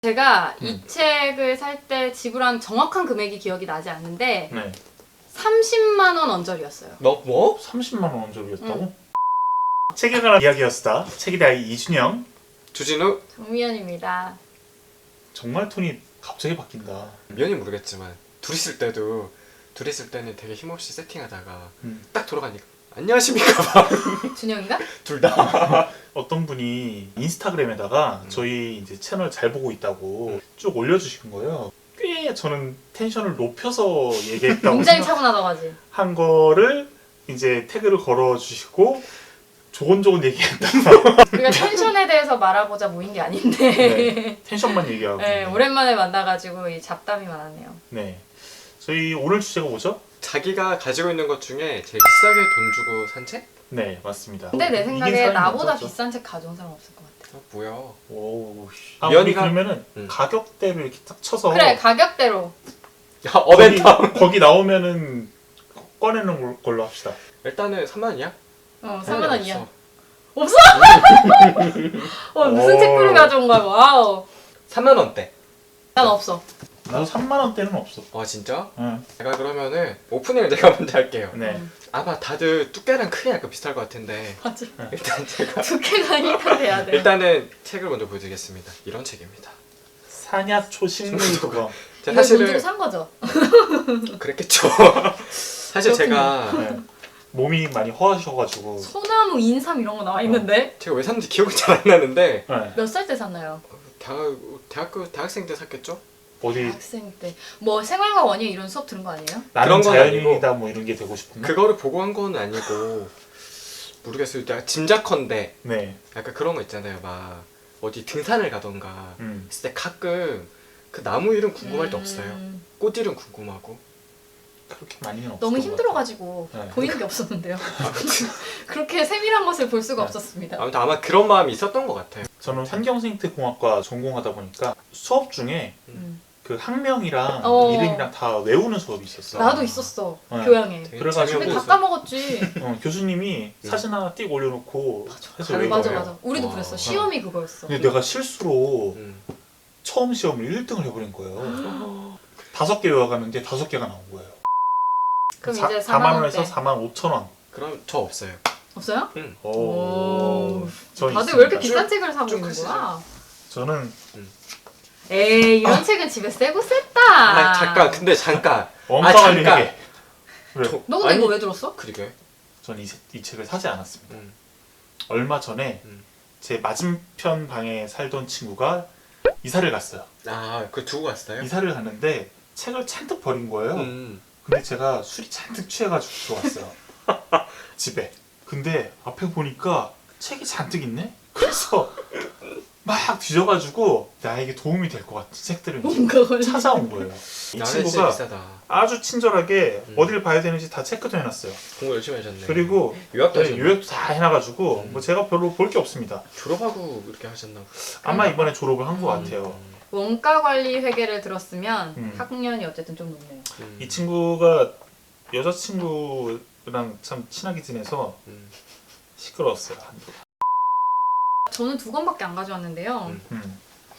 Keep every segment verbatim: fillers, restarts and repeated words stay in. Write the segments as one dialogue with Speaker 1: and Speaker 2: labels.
Speaker 1: 제가
Speaker 2: 음.
Speaker 1: 이 책을 살 때 지불한 정확한 금액이 기억이 나지 않는데
Speaker 2: 네.
Speaker 1: 삼십만 원 언저리였어요.
Speaker 3: 너 뭐?
Speaker 2: 삼십만 원 원조리였다고?
Speaker 1: 응.
Speaker 2: 책에 관한 이야기였다. 책에 대한 이준영.
Speaker 3: 주진우?
Speaker 1: 정미연입니다.
Speaker 2: 정말 톤이 갑자기 바뀐다.
Speaker 3: 미연이 모르겠지만 둘이 있을 때도 둘이 있을 때는 되게 힘없이 세팅하다가
Speaker 2: 음.
Speaker 3: 딱 돌아가니까 안녕하십니까 막
Speaker 1: 준영인가?
Speaker 3: 둘 다.
Speaker 2: 어떤 분이 인스타그램에다가
Speaker 3: 음.
Speaker 2: 저희 이제 채널 잘 보고 있다고 쭉 올려주신 거예요. 꽤 저는 텐션을 높여서 얘기했다고
Speaker 1: 굉장히 차분하다고
Speaker 2: 생각한 거를 이제 태그를 걸어주시고 조곤조곤 얘기했다.
Speaker 1: 우리가 텐션에 대해서 말하고자 모인 게 아닌데
Speaker 2: 네. 텐션만 얘기하고.
Speaker 1: 네, 오랜만에 만나가지고 이 잡담이 많았네요.
Speaker 2: 네. 저희 오늘 주제가 뭐죠?
Speaker 3: 자기가 가지고 있는 것 중에 제일 비싸게 돈 주고 산 책?
Speaker 2: 네, 맞습니다.
Speaker 1: 근데 내
Speaker 2: 이긴
Speaker 1: 생각에
Speaker 2: 사람이
Speaker 1: 나보다
Speaker 2: 없었죠.
Speaker 1: 비싼 책 가져온 사람 없을 것 같아.
Speaker 3: 어, 뭐야?
Speaker 2: 오, 씨. 아, 우리
Speaker 3: 미연이가-
Speaker 2: 그러면은
Speaker 3: 음.
Speaker 2: 가격대로 이렇게 딱 쳐서
Speaker 1: 그래, 가격대로.
Speaker 3: 야 어벤텀.
Speaker 2: 거기, 거기 나오면은 꺼내는 걸- 걸로 합시다.
Speaker 3: 일단은 삼만 원이야?
Speaker 1: 어, 삼만 원이야.
Speaker 3: 없어.
Speaker 1: 없어? 어, 무슨
Speaker 2: 오.
Speaker 1: 책들을 가져온 거야? 와우.
Speaker 3: 삼만 원대.
Speaker 1: 난 없어.
Speaker 2: 나도 삼만 원대는 없어.
Speaker 3: 아 진짜?
Speaker 2: 응.
Speaker 3: 제가 그러면은 오프닝을 제가 먼저 할게요.
Speaker 2: 네.
Speaker 1: 음,
Speaker 3: 아마 다들 두께랑 크기 약간 비슷할 것 같은데
Speaker 1: 맞아.
Speaker 3: 일단 제가
Speaker 1: 두께가 일단 돼야 돼.
Speaker 3: 일단은 책을 먼저 보여드리겠습니다. 이런 책입니다.
Speaker 2: 사냐초 식물 도감.
Speaker 3: 제가
Speaker 1: 이거 돈 주고
Speaker 3: 사실은
Speaker 1: 산 거죠?
Speaker 3: 그랬겠죠. 사실 제가
Speaker 2: 네. 몸이 많이 허하셔가지고.
Speaker 1: 소나무, 인삼 이런 거 나와 있는데
Speaker 3: 제가 왜 샀는지 기억이 잘 안 나는데
Speaker 2: 네.
Speaker 1: 몇 살 때 샀나요?
Speaker 3: 대학 대학교 대학생 때 샀겠죠?
Speaker 2: 어디
Speaker 1: 학생 때. 뭐 생활과 원예 이런 수업 들은 거 아니에요?
Speaker 2: 나는
Speaker 3: 그런 건
Speaker 2: 자연인이다 뭐 이런 게 되고 싶나?
Speaker 3: 그거를 보고 한 건 아니고 모르겠어요. 내가 짐작컨대
Speaker 2: 네.
Speaker 3: 약간 그런 거 있잖아요. 막 어디 등산을 가던가
Speaker 2: 음.
Speaker 3: 했을 때 가끔 그 나무 이름 궁금할 때
Speaker 1: 음,
Speaker 3: 없어요. 꽃 이름 궁금하고.
Speaker 2: 그렇게 많이는 없어.
Speaker 1: 너무 힘들어가지고
Speaker 2: 네.
Speaker 1: 보이는 게 없었는데요. 그렇게 세밀한 것을 볼 수가
Speaker 2: 네.
Speaker 1: 없었습니다.
Speaker 3: 아무튼 아마 그런 마음이 있었던 것 같아요.
Speaker 2: 저는 환경생태공학과 전공하다 보니까 수업 중에
Speaker 1: 음.
Speaker 2: 그 학명이랑
Speaker 1: 어.
Speaker 2: 이름이랑 다 외우는 수업이 있었어.
Speaker 1: 나도 있었어.
Speaker 2: 네.
Speaker 1: 교양에.
Speaker 3: 되게
Speaker 2: 그래가지고
Speaker 1: 근데
Speaker 3: 재미없었어요.
Speaker 1: 다 까먹었지.
Speaker 2: 어, 교수님이
Speaker 3: 음.
Speaker 2: 사진 하나 띡 올려놓고 해서 외운
Speaker 1: 맞아
Speaker 2: 거예요.
Speaker 1: 맞아. 우리도
Speaker 3: 와.
Speaker 1: 그랬어. 시험이 그거였어.
Speaker 2: 근데 내가 실수로
Speaker 3: 음.
Speaker 2: 처음 시험을 일 등을 해버린 거예요. 다섯 개 외워가는데 다섯 개가 나온 거예요.
Speaker 1: 그럼
Speaker 2: 사,
Speaker 1: 이제
Speaker 2: 사만
Speaker 1: 사만
Speaker 2: 원에서
Speaker 1: 원대.
Speaker 2: 사만 오천 원.
Speaker 3: 그럼 저 없어요.
Speaker 1: 없어요?
Speaker 3: 응.
Speaker 2: 오.
Speaker 1: 오.
Speaker 2: 저
Speaker 1: 다들 왜 이렇게
Speaker 2: 있습니다.
Speaker 1: 비싼 책을 사고
Speaker 3: 쭉
Speaker 1: 있는
Speaker 3: 크시죠?
Speaker 1: 거야?
Speaker 2: 저는
Speaker 1: 에이 이런 책은 집에 세고 셌다.
Speaker 3: 아 잠깐 근데 잠깐.
Speaker 2: 원가
Speaker 3: 잠깐.
Speaker 2: 관리회계. 그래.
Speaker 3: 저-
Speaker 1: 너 근데
Speaker 3: 아니,
Speaker 1: 이거 왜 들었어?
Speaker 3: 그러게.
Speaker 2: 저는 이, 세- 이 책을 사지 않았습니다.
Speaker 3: 음.
Speaker 2: 얼마 전에
Speaker 3: 음.
Speaker 2: 제 맞은편 방에 살던 친구가 이사를 갔어요.
Speaker 3: 아그 두고 갔어요?
Speaker 2: 이사를 갔는데 책을 잔뜩 버린 거예요.
Speaker 3: 음.
Speaker 2: 근데 제가 술이 잔뜩 취해가지고 들어왔어요. 집에. 근데 앞에 보니까 책이 잔뜩 있네? 그래서 막 뒤져가지고 나에게 도움이 될 것 같은 책들을 이제
Speaker 1: 뭔가 걸리.
Speaker 2: 찾아온 거예요. 이
Speaker 3: 나는 진짜
Speaker 2: 친구가
Speaker 3: 비싸다.
Speaker 2: 아주 친절하게
Speaker 3: 음.
Speaker 2: 어딜 봐야 되는지 다 체크도 해놨어요.
Speaker 3: 공부 열심히 하셨네.
Speaker 2: 그리고
Speaker 3: 유학도
Speaker 2: 네,
Speaker 3: 하셨네.
Speaker 2: 요약도 다 해놔가지고
Speaker 3: 음.
Speaker 2: 뭐 제가 별로 볼 게 없습니다.
Speaker 3: 졸업하고 이렇게 하셨나?
Speaker 2: 아마 이번에 졸업을 한 것 같아요.
Speaker 3: 음.
Speaker 1: 원가 관리 회계를 들었으면
Speaker 2: 음.
Speaker 1: 학년이 어쨌든 좀 높네요.
Speaker 3: 음.
Speaker 2: 이 친구가 여자친구랑 참 친하게 지내서
Speaker 3: 음.
Speaker 2: 시끄러웠어요.
Speaker 1: 저는 두 권밖에 안 가져왔는데요.
Speaker 3: 음.
Speaker 2: 음.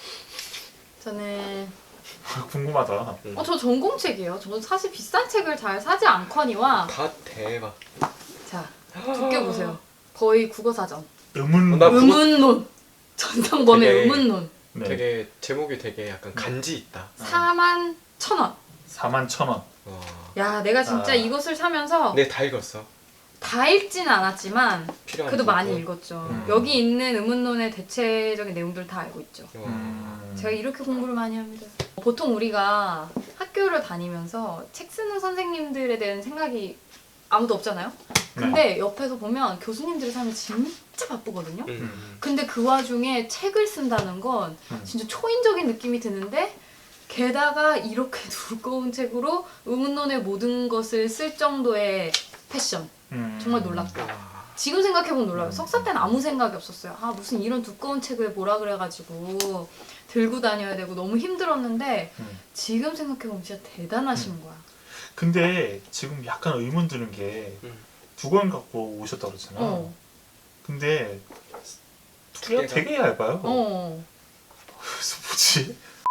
Speaker 1: 저는
Speaker 2: 궁금하다.
Speaker 3: 음.
Speaker 1: 어 저 전공책이에요. 저는 사실 비싼 책을 잘 사지 않거니와
Speaker 3: 다 대박.
Speaker 1: 자 두께 보세요. 거의 국어사전.
Speaker 2: 의문.
Speaker 3: 어, 나 그거-
Speaker 1: 의문론. 전상범의
Speaker 3: 되게-
Speaker 1: 의문론.
Speaker 2: 네.
Speaker 3: 되게 제목이 되게 약간 간지 있다.
Speaker 1: 사만 천 원.
Speaker 2: 사만 천 원.
Speaker 3: 와.
Speaker 1: 야 내가 진짜
Speaker 2: 아.
Speaker 1: 이것을 사면서
Speaker 3: 네, 다 읽었어.
Speaker 1: 다 읽지는 않았지만
Speaker 3: 필요한
Speaker 1: 그래도
Speaker 3: 부분.
Speaker 1: 많이 읽었죠.
Speaker 2: 음.
Speaker 1: 여기 있는 의문론의 대체적인 내용들 다 알고 있죠.
Speaker 3: 와.
Speaker 2: 음.
Speaker 1: 제가 이렇게 공부를 많이 합니다. 보통 우리가 학교를 다니면서 책 쓰는 선생님들에 대한 생각이 아무도 없잖아요. 근데 옆에서 보면 교수님들의 삶이 진짜 바쁘거든요.
Speaker 3: 음, 음.
Speaker 1: 근데 그 와중에 책을 쓴다는 건
Speaker 2: 음.
Speaker 1: 진짜 초인적인 느낌이 드는데 게다가 이렇게 두꺼운 책으로 의문론의 모든 것을 쓸 정도의 패션.
Speaker 2: 음.
Speaker 1: 정말 놀랍다.
Speaker 3: 와.
Speaker 1: 지금 생각해보면 놀라요.
Speaker 2: 음.
Speaker 1: 석사 때는 아무 생각이 없었어요. 아 무슨 이런 두꺼운 책을 뭐라 그래가지고 들고 다녀야 되고 너무 힘들었는데
Speaker 2: 음.
Speaker 1: 지금 생각해보면 진짜 대단하신 거야.
Speaker 2: 근데 지금 약간 의문 드는 게 두 권
Speaker 3: 음.
Speaker 2: 갖고 오셨다 그랬잖아.
Speaker 1: 어.
Speaker 2: 근데 두께가
Speaker 3: 두께가?
Speaker 2: 되게 얇아요.
Speaker 1: 어.
Speaker 2: 그래서 뭐지?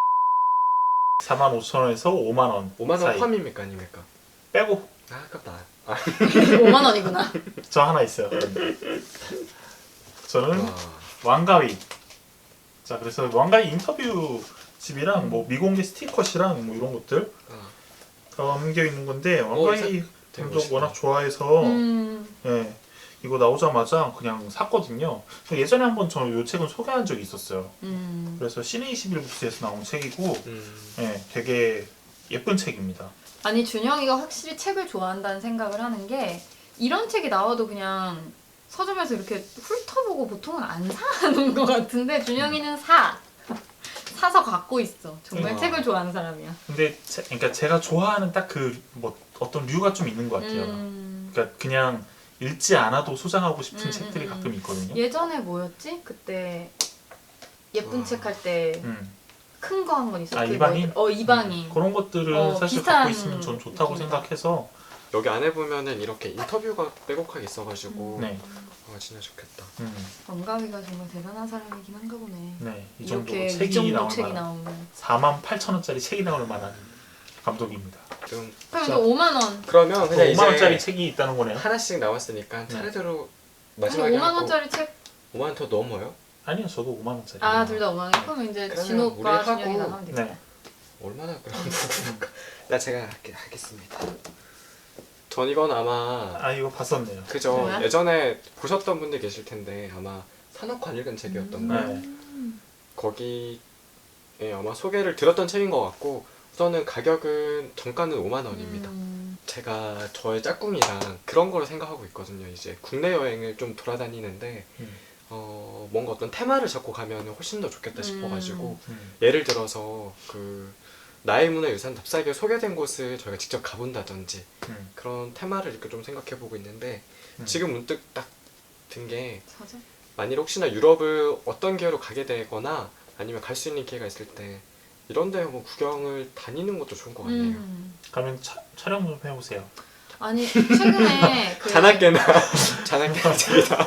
Speaker 2: 사만 오천 원에서 오만 원
Speaker 3: 오만 원
Speaker 2: 사이.
Speaker 3: 포함입니까 아닙니까?
Speaker 2: 빼고
Speaker 3: 아 아깝다. 아,
Speaker 1: 오만 원이구나.
Speaker 2: 저 하나 있어요. 저는
Speaker 3: 와.
Speaker 2: 왕가위. 자, 그래서 왕가위 인터뷰 집이랑
Speaker 1: 음.
Speaker 2: 뭐 미공개 스티커시랑 뭐 이런 것들
Speaker 3: 아,
Speaker 2: 담겨 있는 건데
Speaker 3: 어,
Speaker 2: 왕가위
Speaker 3: 되게
Speaker 2: 감독
Speaker 3: 멋있다.
Speaker 2: 워낙 좋아해서
Speaker 1: 음.
Speaker 2: 예, 이거 나오자마자 그냥 샀거든요. 예전에 한번 저 이 책은 소개한 적이 있었어요.
Speaker 1: 음.
Speaker 2: 그래서 시네 이십일 부스에서 나온 책이고
Speaker 3: 음.
Speaker 2: 예, 되게 예쁜 책입니다.
Speaker 1: 아니 준영이가 확실히 책을 좋아한다는 생각을 하는 게 이런 책이 나와도 그냥 서점에서 이렇게 훑어보고 보통은 안 사는 것 같은데 준영이는 사 사서 갖고 있어. 정말
Speaker 3: 우와.
Speaker 1: 책을 좋아하는 사람이야.
Speaker 2: 근데 제, 그러니까 제가 좋아하는 딱 그 뭐 어떤 류가 좀 있는 것 같아요.
Speaker 1: 음.
Speaker 2: 그러니까 그냥 읽지 않아도 소장하고 싶은
Speaker 1: 음,
Speaker 2: 책들이
Speaker 1: 음,
Speaker 2: 가끔
Speaker 1: 음.
Speaker 2: 있거든요.
Speaker 1: 예전에 뭐였지? 그때 예쁜
Speaker 3: 와.
Speaker 1: 책 할 때 큰
Speaker 2: 음.
Speaker 1: 거 한 건 있어.
Speaker 2: 아,
Speaker 1: 그
Speaker 2: 이방인?
Speaker 1: 뭐- 어 이방인.
Speaker 2: 음, 그런 것들은
Speaker 1: 어,
Speaker 2: 사실
Speaker 1: 비슷한
Speaker 2: 갖고 있으면 전 좋다고
Speaker 1: 느낌이다.
Speaker 2: 생각해서
Speaker 3: 여기 안에 보면은 이렇게 인터뷰가 빼곡하게 있어가지고
Speaker 2: 네,
Speaker 3: 아 진짜 좋겠다.
Speaker 2: 음,
Speaker 1: 원가위가 정말 대단한 사람이긴 한가 보네.
Speaker 2: 네, 이 정도
Speaker 1: 이렇게 이
Speaker 2: 책이
Speaker 1: 정도
Speaker 2: 나올
Speaker 1: 책이
Speaker 2: 만한
Speaker 1: 나오면.
Speaker 2: 사만 팔천 원짜리 책이 나올 만한 감독입니다.
Speaker 3: 좀
Speaker 1: 그럼
Speaker 2: 자.
Speaker 1: 이제 오만 원.
Speaker 3: 그러면 그냥
Speaker 2: 오만 원짜리
Speaker 3: 이제
Speaker 2: 책이 있다는 거네요.
Speaker 3: 하나씩 나왔으니까
Speaker 2: 네.
Speaker 3: 차례대로
Speaker 1: 아니
Speaker 3: 마지막에
Speaker 1: 오만
Speaker 3: 하고
Speaker 1: 원짜리 책.
Speaker 3: 오만 원 더 넘어요?
Speaker 2: 아니요, 저도 오만 원짜리.
Speaker 1: 아 둘 다 오만 원. 그러면 이제
Speaker 3: 그러면
Speaker 1: 진호
Speaker 3: 우리
Speaker 1: 오빠
Speaker 3: 하고-
Speaker 1: 준영이 나가면 되겠다.
Speaker 2: 네,
Speaker 3: 얼마나 그럼 나 제가 할게, 하겠습니다. 전 이건 아마
Speaker 2: 아 이거 봤었네요.
Speaker 3: 그죠.
Speaker 1: 뭐야?
Speaker 3: 예전에 보셨던 분들 계실 텐데 아마 산업관 읽은 책이었던가
Speaker 1: 음.
Speaker 3: 거기에 아마 소개를 들었던 책인 것 같고 우선은 가격은 정가는 오만 원입니다.
Speaker 1: 음.
Speaker 3: 제가 저의 짝꿍이랑 그런 거를 생각하고 있거든요. 이제 국내 여행을 좀 돌아다니는데
Speaker 2: 음,
Speaker 3: 어, 뭔가 어떤 테마를 잡고 가면 훨씬 더 좋겠다 싶어가지고
Speaker 2: 음,
Speaker 3: 예를 들어서 그 나의 문화유산 답사기에 소개된 곳을 저희가 직접 가본다든지
Speaker 2: 음,
Speaker 3: 그런 테마를 이렇게 좀 생각해보고 있는데
Speaker 2: 음.
Speaker 3: 지금 문득 딱 든 게
Speaker 1: 사자.
Speaker 3: 만일 혹시나 유럽을 어떤 기회로 가게 되거나 아니면 갈 수 있는 기회가 있을 때 이런 데 한번 구경을 다니는 것도 좋은 것 같네요.
Speaker 1: 음.
Speaker 2: 가면 차, 촬영 좀 해보세요.
Speaker 1: 아니 최근에 그
Speaker 3: 잔악계나 잔악계나 책이다.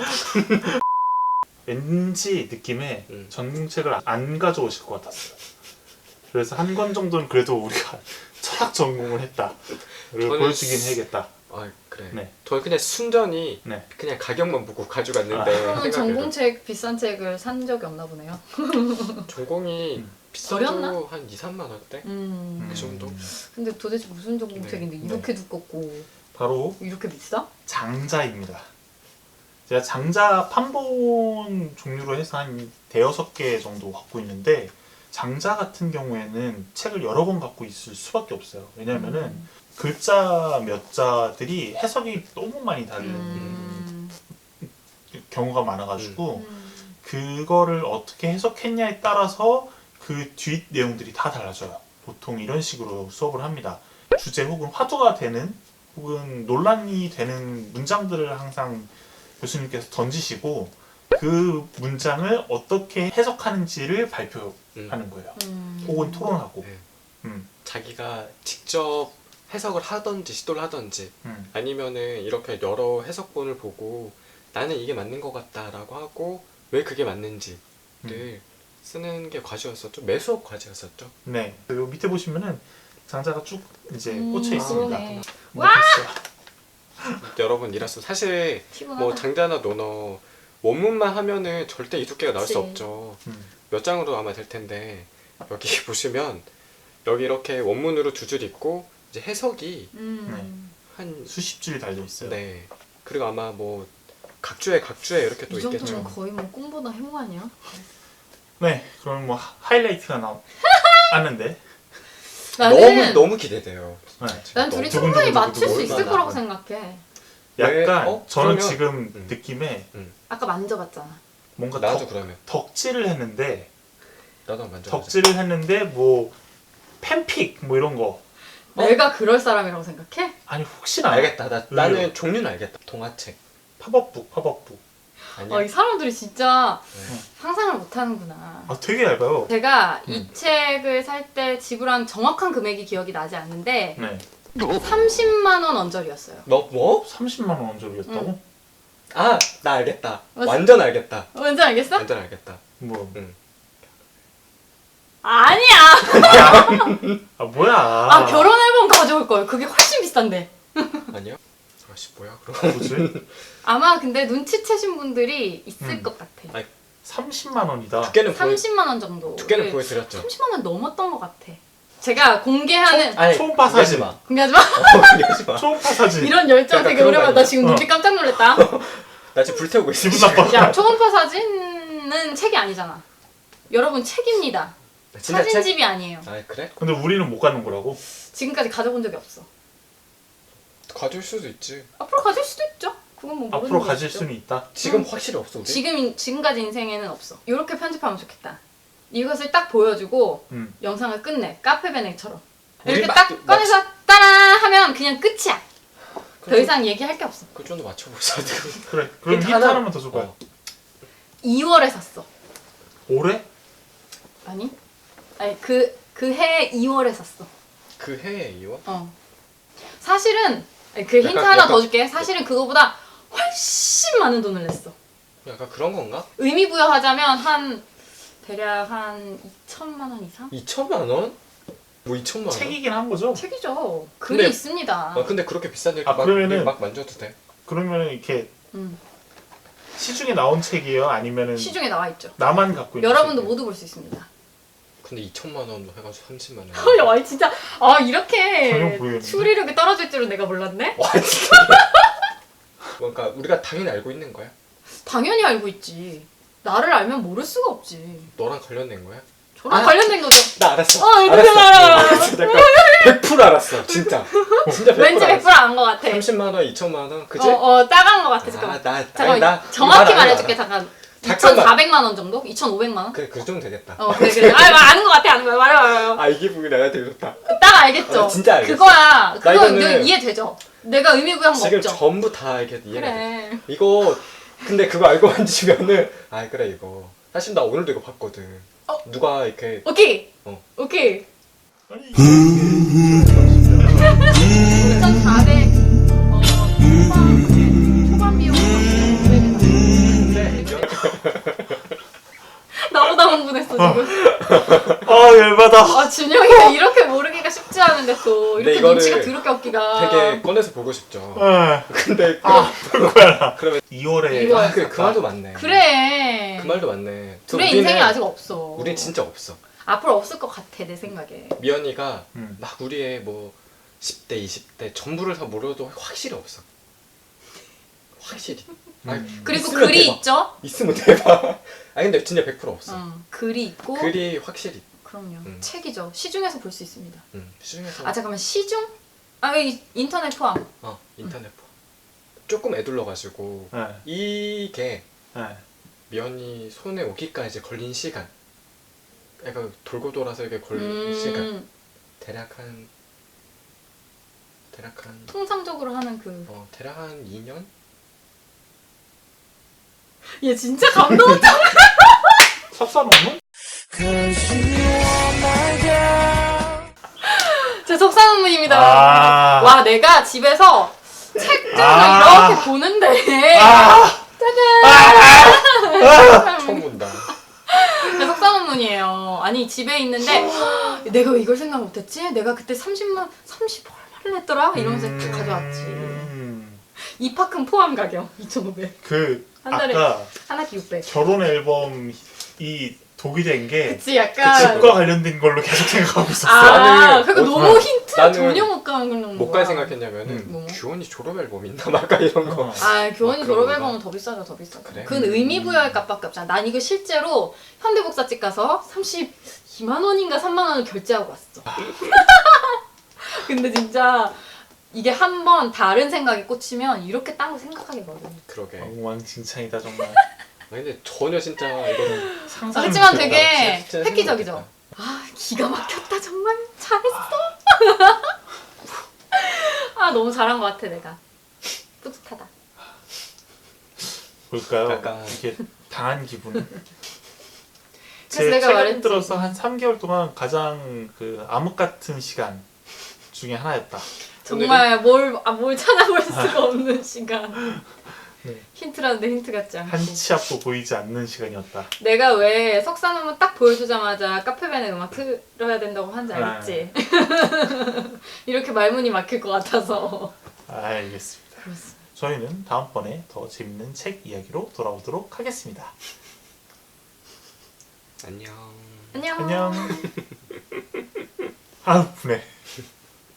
Speaker 2: 왠지 느낌에
Speaker 3: 음.
Speaker 2: 전공책을 안 가져오실 것 같았어요. 그래서 한 권 정도는 그래도 우리가 철학 전공을 했다를
Speaker 3: 저는
Speaker 2: 보여주긴 해야겠다.
Speaker 3: 아 그래.
Speaker 2: 네.
Speaker 3: 저는 그냥 순전히
Speaker 2: 네.
Speaker 3: 그냥 가격만 보고 가져갔는데
Speaker 2: 아.
Speaker 1: 그러면
Speaker 3: 생각해도
Speaker 1: 전공책 비싼 책을 산 적이 없나 보네요.
Speaker 3: 전공이
Speaker 2: 음.
Speaker 3: 비싸도
Speaker 1: 저렴나?
Speaker 3: 한 이, 삼만 원대?
Speaker 1: 음.
Speaker 3: 그 정도?
Speaker 1: 근데 도대체 무슨 전공책인데
Speaker 2: 네.
Speaker 1: 이렇게 두껍고
Speaker 2: 바로
Speaker 1: 이렇게 비싸?
Speaker 2: 장자입니다. 제가 장자 판본 종류로 해서 한 대여섯 개 정도 갖고 있는데 장자 같은 경우에는 책을 여러 권 갖고 있을 수밖에 없어요. 왜냐면은
Speaker 1: 음.
Speaker 2: 글자 몇 자들이 해석이 너무 많이 다른
Speaker 1: 음.
Speaker 2: 경우가 많아가지고
Speaker 1: 음.
Speaker 2: 그거를 어떻게 해석했냐에 따라서 그 뒷 내용들이 다 달라져요. 보통 이런 식으로 수업을 합니다. 주제 혹은 화두가 되는 혹은 논란이 되는 문장들을 항상 교수님께서 던지시고 그 문장을 어떻게 해석하는지를 발표하는
Speaker 3: 음.
Speaker 2: 거예요.
Speaker 1: 음.
Speaker 2: 혹은 토론하고.
Speaker 3: 네.
Speaker 2: 음,
Speaker 3: 자기가 직접 해석을 하던지 시도를 하던지
Speaker 2: 음,
Speaker 3: 아니면은 이렇게 여러 해석본을 보고 나는 이게 맞는 것 같다라고 하고 왜 그게 맞는지를
Speaker 2: 음.
Speaker 3: 쓰는 게 과제였었죠. 매수업 과제였었죠.
Speaker 2: 네. 요 밑에 보시면은 장자가 쭉 이제
Speaker 1: 음,
Speaker 2: 꽂혀 있습니다.
Speaker 1: 그러네.
Speaker 2: 뭐 됐어요.
Speaker 3: 여러분 이라서 사실
Speaker 1: 피곤하다.
Speaker 3: 뭐 장자나 논어 원문만 하면은 절대 이 두께가 나올 수
Speaker 1: 그치.
Speaker 3: 없죠.
Speaker 2: 음,
Speaker 3: 몇 장으로 아마 될 텐데 여기 보시면 여기 이렇게 원문으로 두 줄 있고 이제 해석이
Speaker 1: 음.
Speaker 3: 한
Speaker 2: 수십 줄이 달려 있어요.
Speaker 3: 네. 그리고 아마 뭐 각주에 각주에 이렇게 또
Speaker 1: 이 정도면
Speaker 3: 있겠죠.
Speaker 1: 거의 뭐 꿈보다 행운 아니야?
Speaker 2: 네, 그럼 뭐 하- 하이라이트가 나왔는데.
Speaker 1: 나는
Speaker 3: 너무 너무 기대돼요.
Speaker 2: 네.
Speaker 1: 난 둘이
Speaker 2: 두근두근
Speaker 1: 충분히
Speaker 2: 두근두근
Speaker 1: 맞출 수 있을
Speaker 3: 얼마나.
Speaker 1: 거라고 생각해.
Speaker 2: 약간
Speaker 3: 어?
Speaker 2: 저는
Speaker 3: 그러면-
Speaker 2: 지금
Speaker 3: 음.
Speaker 2: 느낌에
Speaker 1: 아까 만져봤잖아.
Speaker 2: 뭔가
Speaker 3: 나도
Speaker 2: 덕,
Speaker 3: 그러면
Speaker 2: 덕질을 했는데
Speaker 3: 나도 먼저
Speaker 2: 덕질을 했는데 뭐 팬픽 뭐 이런 거
Speaker 1: 내가 그럴 사람이라고 생각해?
Speaker 2: 아니 혹시나
Speaker 3: 알겠다. 나,
Speaker 2: 왜요?
Speaker 3: 나는 종류는 알겠다. 동화책
Speaker 2: 팝업북 팝업북
Speaker 3: 아니야.
Speaker 1: 어, 이 사람들이 진짜
Speaker 3: 네.
Speaker 1: 상상을 못하는구나.
Speaker 2: 아 되게 얇아요.
Speaker 1: 제가
Speaker 2: 음.
Speaker 1: 이 책을 살 때 지불한 정확한 금액이 기억이 나지 않는데
Speaker 2: 네,
Speaker 1: 삼십만 원 언저리였어요.
Speaker 3: 너 뭐?
Speaker 2: 삼십만 원 원조리였다고?
Speaker 1: 응.
Speaker 3: 아, 나 알겠다.
Speaker 1: 맞아.
Speaker 3: 완전 알겠다.
Speaker 1: 뭔지 알겠어?
Speaker 3: 완전 알겠다.
Speaker 2: 뭐
Speaker 1: 아니야!
Speaker 2: 아 뭐야?
Speaker 1: 아 결혼 앨범 가져올 걸. 그게 훨씬 비싼데.
Speaker 3: 아니요? 아씨 뭐야 그럼.
Speaker 2: 뭐지?
Speaker 1: 아마 근데 눈치채신 분들이 있을
Speaker 2: 음.
Speaker 1: 것 같아.
Speaker 3: 아니,
Speaker 2: 삼십만 원이다.
Speaker 3: 두께는 보여
Speaker 1: 삼십만 원 정도.
Speaker 3: 두께는 보여드렸죠.
Speaker 1: 삼십만 원 넘었던 것 같아. 제가 공개하는
Speaker 3: 아니,
Speaker 2: 초음파 사진.
Speaker 3: 얘기하지 마.
Speaker 1: 공개하지 마.
Speaker 3: 어, 얘기하지 마.
Speaker 2: 초음파 사진.
Speaker 1: 이런 열정
Speaker 3: 약간
Speaker 1: 되게
Speaker 3: 그런 거
Speaker 1: 오랜만에 나
Speaker 3: 아니야?
Speaker 1: 지금
Speaker 2: 어.
Speaker 1: 눈빛 깜짝 놀랐다.
Speaker 3: 나 지금 불태우고 있어.
Speaker 2: 기분 나빠.
Speaker 1: 야 초음파 사진은 책이 아니잖아. 여러분 책입니다.
Speaker 3: 진짜 책?
Speaker 1: 사진집이 아니에요.
Speaker 3: 아 그래?
Speaker 2: 근데 우리는 못 가는 거라고?
Speaker 1: 지금까지 가져본 적이 없어.
Speaker 3: 가질 수도 있지.
Speaker 1: 앞으로 가질 수도 있죠. 그건 뭐 모르는
Speaker 2: 앞으로
Speaker 1: 거죠.
Speaker 2: 가질 수는 있다.
Speaker 3: 지금
Speaker 1: 음.
Speaker 3: 확실히 없어 우리.
Speaker 1: 지금 지금까지 인생에는 없어. 이렇게 편집하면 좋겠다. 이것을 딱 보여주고
Speaker 2: 음.
Speaker 1: 영상을 끝내. 카페베넥처럼
Speaker 3: 우리
Speaker 1: 이렇게
Speaker 3: 막-
Speaker 1: 딱
Speaker 3: 막-
Speaker 1: 꺼내서 따라 하면 그냥 끝이야. 더 이상 얘기할 게 없어.
Speaker 3: 그 정도 맞춰보자.
Speaker 2: 그래. 그럼
Speaker 3: 힌트
Speaker 2: 힌트
Speaker 3: 하나-
Speaker 2: 하나만 더 줄 거야.
Speaker 3: 어.
Speaker 1: 이월에 샀어.
Speaker 2: 올해?
Speaker 1: 아니? 아니 그 그 해 이월에 샀어.
Speaker 3: 그 해에 이월?
Speaker 1: 어. 사실은 아니, 그 힌트
Speaker 3: 약간-
Speaker 1: 하나
Speaker 3: 약간-
Speaker 1: 더 줄게. 사실은 그거보다 훨씬 많은 돈을 냈어.
Speaker 3: 약간 그런 건가?
Speaker 1: 의미 부여하자면 한 대략 한 이천만 원 이상?
Speaker 3: 이천만 원? 뭐 이천만 원?
Speaker 2: 책이긴 한 거죠?
Speaker 1: 책이죠. 글이
Speaker 3: 근데-
Speaker 1: 있습니다.
Speaker 3: 아 근데 그렇게 비싼 일
Speaker 2: 아,
Speaker 3: 막,
Speaker 2: 그러면은-
Speaker 3: 막 만져도 돼?
Speaker 2: 그러면 이렇게
Speaker 1: 음.
Speaker 2: 시중에 나온 책이에요? 아니면은
Speaker 1: 시중에 나와 있죠.
Speaker 2: 나만 갖고 있는
Speaker 1: 여러분도
Speaker 2: 책이에요?
Speaker 1: 모두 볼 수 있습니다.
Speaker 3: 근데 이천만 원 해가지고 삼십만 원.
Speaker 1: 야, 와 진짜 아
Speaker 2: 전혀
Speaker 1: 이렇게
Speaker 2: 모르겠는데?
Speaker 1: 추리력이 떨어질 줄은 내가 몰랐네.
Speaker 3: 와 진짜. 그러니까 우리가 당연히 알고 있는 거야?
Speaker 1: 당연히 알고 있지. 나를 알면 모를 수가 없지.
Speaker 3: 너랑 관련된 거야?
Speaker 1: 저랑
Speaker 3: 아.
Speaker 1: 관련된 거죠.
Speaker 3: 나 알았어.
Speaker 1: 어, 어떻게 알아?
Speaker 3: 알았어. 내가 백 퍼센트 알았어. 진짜. 진짜 백 퍼센트
Speaker 1: 왠지 백 퍼센트
Speaker 3: 알았어.
Speaker 1: 안것 같아.
Speaker 3: 삼십만 원, 이천만 원, 그지?
Speaker 1: 어, 어, 따가운 것 같아. 잠깐만.
Speaker 3: 아, 나,
Speaker 1: 잠깐만.
Speaker 3: 아니, 나
Speaker 1: 정확히
Speaker 3: 이거 알아,
Speaker 1: 말해줄게.
Speaker 3: 이거 알아.
Speaker 1: 잠깐.
Speaker 3: 잠깐만.
Speaker 1: 이천사백만 원 정도? 이천오백만 원?
Speaker 3: 그래, 그 정도 되겠다.
Speaker 1: 어, 그래, 그래. 아, 아는 것 같아, 아는 거야. 말해, 말해. 말해.
Speaker 3: 아, 이게 보기 내가 되게 좋다.
Speaker 1: 딱 알겠죠?
Speaker 3: 아, 진짜 알겠어.
Speaker 1: 그거야. 그거
Speaker 3: 이거는
Speaker 1: 이거 이해되죠? 내가 의미 부여한 거
Speaker 3: 지금
Speaker 1: 없죠?
Speaker 3: 전부 다 이렇게 이해가 돼.
Speaker 1: 그래.
Speaker 3: 이거, 근데 그거 알고 만지면은, 아, 그래, 이거. 사실 나 오늘도 이거 봤거든.
Speaker 1: 어?
Speaker 3: 누가 이렇게,
Speaker 1: 오케이.
Speaker 3: 어.
Speaker 1: 오케이.
Speaker 2: 아니 이게
Speaker 1: 이천사백 어, 초반, 초반 비용
Speaker 3: 네,
Speaker 1: 나보다 흥분했어 지금.
Speaker 2: 아 열받아.
Speaker 1: 아 준영이가 이렇게 모르기가 쉽지 않은데 또
Speaker 3: 근데
Speaker 1: 이렇게
Speaker 3: 이거를
Speaker 1: 눈치가 더럽게 없기가.
Speaker 3: 되게 꺼내서 보고 싶죠.
Speaker 2: 에.
Speaker 3: 근데, 그,
Speaker 2: 아 그거야.
Speaker 3: 그러면,
Speaker 2: 이월에
Speaker 1: 이월.
Speaker 3: 아, 그, 그 말도 맞네.
Speaker 1: 그래.
Speaker 3: 그 말도 맞네.
Speaker 1: 둘의
Speaker 3: 우리는-
Speaker 1: 인생이 아직 없어.
Speaker 3: 우린 진짜 없어.
Speaker 1: 앞으로 없을 것 같아 내 생각에.
Speaker 3: 미연이가
Speaker 2: 음.
Speaker 3: 막 우리의 뭐 십 대, 이십 대 전부를 다 모르도 확실히 없어. 확실히. 아니,
Speaker 2: 음.
Speaker 1: 그리고
Speaker 3: 있으면
Speaker 1: 글이
Speaker 3: 대박.
Speaker 1: 있죠?
Speaker 3: 있으면 대박. 아니 근데 진짜 백 퍼센트 없어.
Speaker 1: 응. 글이 있고.
Speaker 3: 글이 확실히.
Speaker 1: 그럼요.
Speaker 3: 음.
Speaker 1: 책이죠. 시중에서 볼 수 있습니다.
Speaker 3: 음, 시중에서
Speaker 1: 아 잠깐만 시중? 아 이- 인터넷 포함.
Speaker 3: 어 인터넷 포. 조금 애둘러가지고
Speaker 2: 네.
Speaker 3: 이게
Speaker 2: 네.
Speaker 3: 미연이 손에 오기까지 걸린 시간. 약간 돌고 돌아서 이게 걸린 시간.
Speaker 1: 음,
Speaker 3: 대략 한 대략 한
Speaker 1: 통상적으로 하는 그.
Speaker 3: 어, 대략 한 이 년?
Speaker 1: 얘 진짜 감동적.
Speaker 2: 석사 논문?
Speaker 1: 제 속사 논문입니다.
Speaker 2: 아.
Speaker 1: 와 내가 집에서 책장을
Speaker 2: 아.
Speaker 1: 이렇게 보는데.
Speaker 2: 아.
Speaker 3: 처음 본다.
Speaker 1: 제 속사 논문이에요. 아니 집에 있는데 내가 이걸 생각 못했지? 내가 그때 삼십만 삼십 얼마를 냈더라? 이러면서
Speaker 2: 음.
Speaker 1: 가져왔지. 입학금 포함 가격 이천오백.
Speaker 2: 그
Speaker 1: 한 달에
Speaker 2: 아까
Speaker 1: 한 학기 육백.
Speaker 2: 결혼 앨범이 독이 된 게
Speaker 1: 그치 약간.
Speaker 2: 집과 관련된 걸로 계속 생각하고 있었어.
Speaker 1: 아,
Speaker 3: 나는
Speaker 1: 그러니까
Speaker 3: 어,
Speaker 1: 너무 힌트
Speaker 3: 나는
Speaker 1: 전혀 못 가는
Speaker 3: 못 갈 생각했냐면은
Speaker 2: 음.
Speaker 1: 뭐?
Speaker 3: 규원이 졸업 앨범 있나 말까 이런 거.
Speaker 2: 어.
Speaker 1: 아 교원이
Speaker 3: 막 그런
Speaker 1: 졸업
Speaker 3: 건가?
Speaker 1: 앨범은 더 비싸죠 더 비싸죠.
Speaker 3: 그래?
Speaker 1: 그건 의미 부여할 값밖에 없잖아. 난 이거 실제로 현대복사집 가서 삼십이만 원인가 삼만 원을 결제하고 왔어. 근데 진짜 이게 한 번 다른 생각에 꽂히면 이렇게 딴 거 생각하게 거든.
Speaker 3: 그러게. 아,
Speaker 2: 엉망진창이다 정말.
Speaker 3: 근데 전혀 진짜 이거는
Speaker 2: 상상.
Speaker 1: 그렇지만 되게
Speaker 3: 진짜 생각
Speaker 1: 획기적이죠.
Speaker 3: 못했다.
Speaker 1: 아 기가 막혔다 정말 잘했어. 아 너무 잘한 것 같아 내가. 뿌듯하다.
Speaker 2: 볼까요?
Speaker 3: 약간-
Speaker 2: 이게 당한 기분.
Speaker 1: 그래서
Speaker 2: 제
Speaker 1: 내가
Speaker 2: 최근
Speaker 1: 말했지.
Speaker 2: 들어서 한 삼 개월 동안 가장 그 암흑 같은 시간 중에 하나였다.
Speaker 1: 정말 뭘, 아, 뭘 찾아볼 수가 없는 시간.
Speaker 2: 네.
Speaker 1: 힌트라는데 힌트 같지 않고.
Speaker 2: 한 치 앞도 보이지 않는 시간이었다.
Speaker 1: 내가 왜 석사 논문 딱 보여주자마자 카페벤에 음악 틀어야 된다고 하는지 알겠지? 이렇게 말문이 막힐 것 같아서.
Speaker 2: 알겠습니다.
Speaker 1: 그렇습니다.
Speaker 2: 저희는 다음번에 더 재밌는 책 이야기로 돌아오도록 하겠습니다.
Speaker 3: 안녕.
Speaker 1: 안녕.
Speaker 2: 안녕. 아우 분해.